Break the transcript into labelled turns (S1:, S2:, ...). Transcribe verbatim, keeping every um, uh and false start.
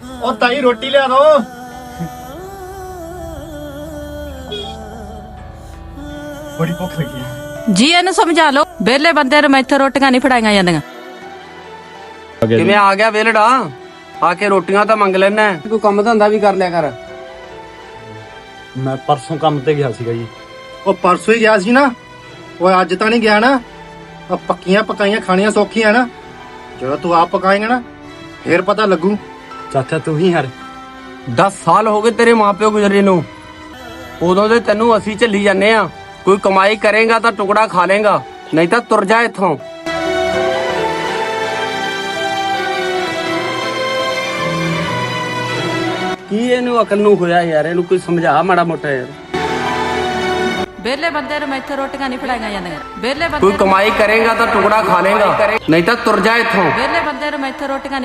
S1: ਉਹ ਤਾਈ ਰੋਟੀ ਲਿਆ ਦੋ। ਬੜੀ ਭੁੱਖ ਲੱਗੀ ਹੈ
S2: ਜੀ। ਇਹਨੂੰ ਸਮਝਾ ਲਓ, ਵਿਹਲੇ ਬੰਦੇ ਨੂੰ ਮੈਥੋਂ ਰੋਟੀਆਂ ਨਹੀਂ ਫੜਾਈਆਂ ਜਾਂਦੀਆਂ।
S3: ਕਿਵੇਂ ਆ ਗਿਆ ਵੇਲੜਾ? ਆ ਕੇ ਰੋਟੀਆਂ ਤਾਂ ਮੰਗ ਲੈਣਾ, ਕੋਈ ਕੰਮ ਧੰਦਾ ਵੀ ਕਰ ਲਿਆ ਕਰ।
S1: ਮੈਂ ਪਰਸੋਂ ਕੰਮ ਤੇ ਗਿਆ ਸੀਗਾ ਜੀ। ਉਹ ਪਰਸੋਂ ਹੀ ਗਿਆ ਸੀ ਨਾ, ਉਹ ਅੱਜ ਤਾਂ ਨਹੀਂ ਗਿਆ ਨਾ। ਉਹ ਪੱਕੀਆਂ ਪਕਾਈਆਂ ਖਾਣੀਆਂ ਸੌਖੀਆਂ ਨਾ, ਜਦੋਂ ਤੂੰ ਆਪ ਪਕਾਏਂਗਾ ਨਾ ਫੇਰ ਪਤਾ ਲੱਗੂ। ਚਾਚਾ ਤੂੰ ਹੀ ਹਰ
S3: ਦਸ ਸਾਲ ਹੋ ਗਏ ਤੇਰੇ ਮਾਪਿਓ ਗੁਜ਼ਰੇ ਨੂੰ, ਉਦੋਂ ਦੇ ਤੈਨੂੰ ਅਸੀਂ ਝੱਲੀ ਜਾਂਦੇ ਆ। ਕੋਈ ਕਮਾਈ ਕਰੇਗਾ ਤਾਂ ਟੁਕੜਾ ਖਾ ਲੇਗਾ, ਨਹੀਂ ਤਾਂ ਤੁਰ ਜਾ ਇੱਥੋਂ। ਕੀ ਇਹਨੂੰ ਅਕਲ ਨੂੰ ਹੋਇਆ ਯਾਰ? ਇਹਨੂੰ ਕੋਈ ਸਮਝਾ ਮਾੜਾ ਮੋਟਾ ਯਾਰ।
S2: ਵਿਹਲੇ ਬੰਦੇ ਨੂੰ ਮੈਥੋਂ ਰੋਟੀਆਂ ਨਹੀਂ ਫੜਾਈਆਂ ਜਾਂਦੀਆਂ। ਵਿਹਲੇ ਬੰਦੇ
S3: ਕੋਈ ਕਮਾਈ ਕਰੇਗਾ ਤਾਂ ਟੁਕੜਾ ਖਾ ਲੇਗਾ, ਨਹੀਂ ਤਾਂ ਤੁਰ ਜਾ ਇੱਥੋਂ।
S2: ਵਿਹਲੇ ਬੰਦੇ ਨੂੰ ਮੈਥੋਂ ਰੋਟੀਆਂ